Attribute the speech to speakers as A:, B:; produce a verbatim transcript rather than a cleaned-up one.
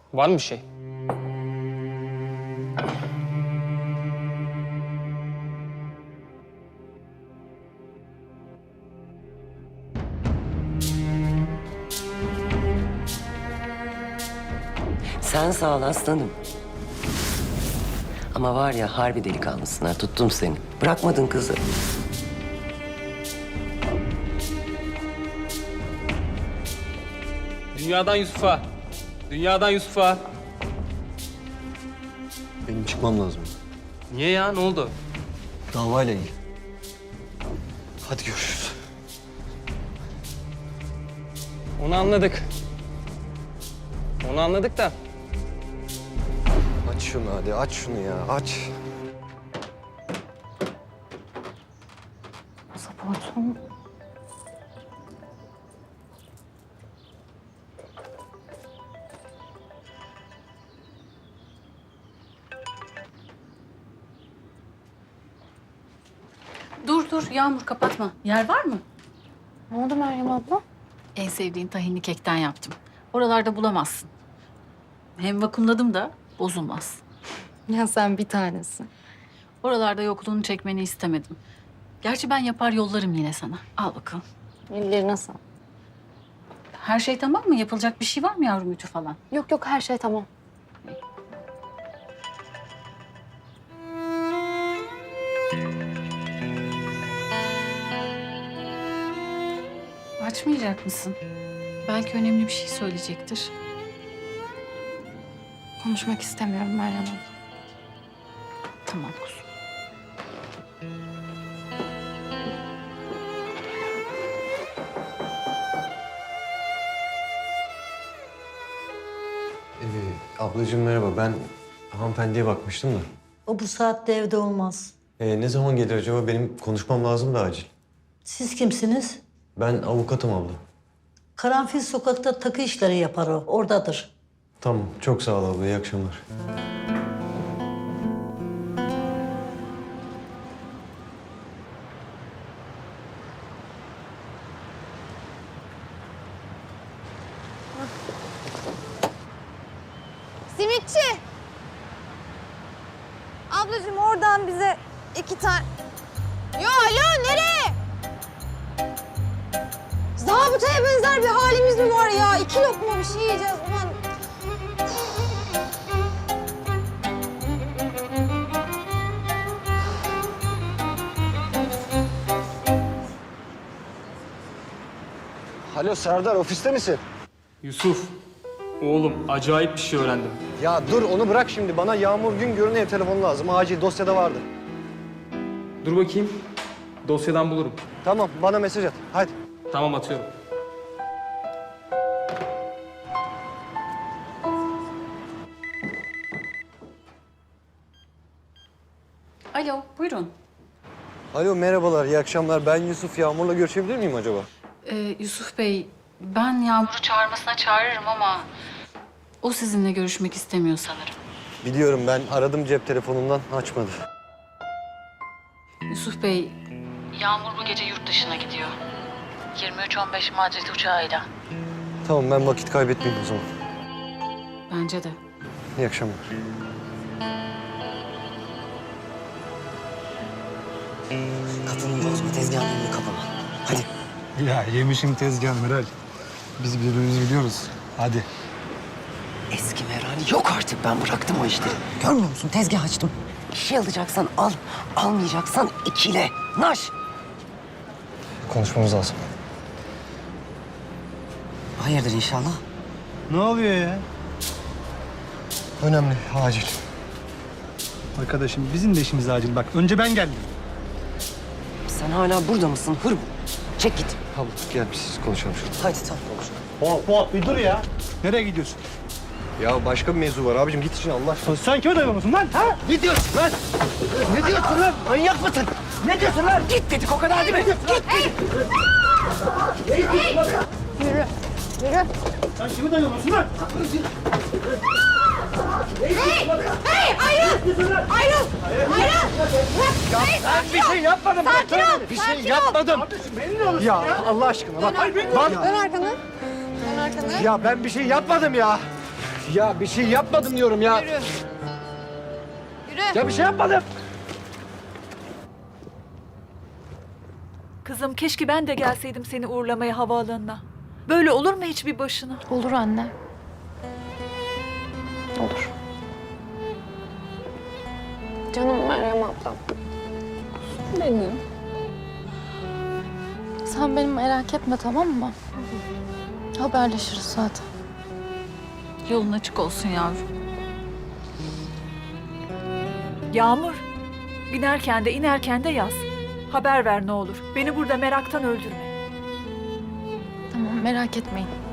A: Var mı bir şey?
B: Sen sağ ol aslanım. Ama var ya harbi delikanlısın ha. Tuttum seni. Bırakmadın kızı.
A: Dünyadan Yusuf'a. Dünyadan Yusuf'a.
C: Benim çıkmam lazım.
A: Niye ya? Ne oldu?
C: Davayla ilgili. Hadi görüşürüz.
A: Onu anladık. Onu anladık da.
C: Aç şunu hadi, aç şunu ya, aç.
D: Pasaportum.
E: Dur dur Yağmur kapatma. Yer var mı?
D: Ne oldu Meryem abla?
E: En sevdiğin tahinli kekten yaptım. Oralarda bulamazsın. Hem vakumladım da bozulmaz.
D: Ya sen bir tanesi.
E: Oralarda yokluğunu çekmeni istemedim. Gerçi ben yapar yollarım yine sana. Al bakalım.
D: Ellerine sağ.
E: Her şey tamam mı? Yapılacak bir şey var mı yavrum ütü falan?
D: Yok yok her şey tamam.
E: Açmayacak mısın? Belki önemli bir şey söyleyecektir.
D: Konuşmak istemiyorum Meryem abla.
E: Tamam kuzum.
C: Ee, ablacığım merhaba, ben hanımefendiye bakmıştım da.
F: O bu saatte evde olmaz.
C: Ee, ne zaman gelir acaba? Benim konuşmam lazım da acil.
F: Siz kimsiniz?
C: Ben avukatım abla.
F: Karanfil sokakta takı işleri yapar o. Oradadır.
C: Tamam, çok sağ ol abla, iyi akşamlar.
G: Simitçi! Ablacığım oradan bize iki tane... Yo alo nereye? Zabıtaya benzer bir halimiz mi var ya? İki lokma bir şey yiyeceğiz ulan.
C: Alo Serdar, ofiste misin?
A: Yusuf. Oğlum acayip bir şey öğrendim.
C: Ya dur onu bırak şimdi. Bana Yağmur Güngör'ün ev telefonu lazım. Acil, dosyada vardı.
A: Dur bakayım. Dosyadan bulurum.
C: Tamam, bana mesaj at. Hadi.
A: Tamam atıyorum.
E: Alo buyurun.
C: Alo, merhabalar, iyi akşamlar. Ben Yusuf, Yağmur'la görüşebilir miyim acaba?
E: Ee, Yusuf Bey, ben Yağmur'u çağırmasına çağırırım ama... ...o sizinle görüşmek istemiyor sanırım.
C: Biliyorum, ben aradım cep telefonundan, açmadı.
E: Yusuf Bey, Yağmur bu gece yurt dışına gidiyor. yirmi üç on beş Madrid uçağıyla.
C: Tamam, ben vakit kaybetmeyeyim o zaman.
E: Bence de.
C: İyi akşamlar.
B: Kadının bozma tezgahını kapama. Hadi.
H: Ya yemişim tezgah Meral. Biz birbirimizi biliyoruz. Hadi.
B: Eski Meral yok artık. Ben bıraktım o işleri. Görmüyor musun? Tezgah açtım. Bir şey alacaksan al. Almayacaksan ikile. Naş.
C: Konuşmamız lazım.
B: Hayırdır inşallah?
H: Ne oluyor ya?
C: Önemli, acil.
H: Arkadaşım bizim de işimiz acil. Bak önce ben geldim.
B: Sen hala burada mısın? Hır bu. Çek git.
C: Abla gel biz konuşalım şurada.
B: Hadi tamam.
H: Hop hop bir dur ya. Nereye gidiyorsun?
C: Ya başka bir mevzu var abicim, git için Allah aşkına.
H: Sen kime dayanıyorsun lan? Ha?
B: Ne diyorsun lan? Ne diyorsun lan? Manyak mısın? Ne diyorsun lan? Git dedik o kadar değil mi? Git dedik.
G: Yürü. Yürü.
H: Sen kime dayanıyorsun lan?
G: Hey! Hey! Ayrıl! Ayrıl! Ayrıl!
C: Ya ben bir şey yapmadım.
G: Sakin ol!
C: Bir
G: sakin
C: şey
G: ol.
C: yapmadım. Ya Allah aşkına bak. Bak.
G: Dön arkanı. Dön arkanı.
C: Ya ben bir şey yapmadım ya.
I: Ya bir şey yapmadım diyorum ya.
G: Yürü. Yürü.
I: Ya bir şey yapmadım.
J: Kızım keşke ben de gelseydim seni uğurlamaya havaalanına. Böyle olur mu hiç bir başına?
D: Olur anne. Olur. Canım Meryem ablam. Benim. Sen beni merak etme, tamam mı? Haberleşiriz zaten.
E: Yolun açık olsun yavrum.
J: Yağmur, binerken de inerken de yaz. Haber ver ne olur. Beni burada meraktan öldürme.
D: Tamam, merak etmeyin.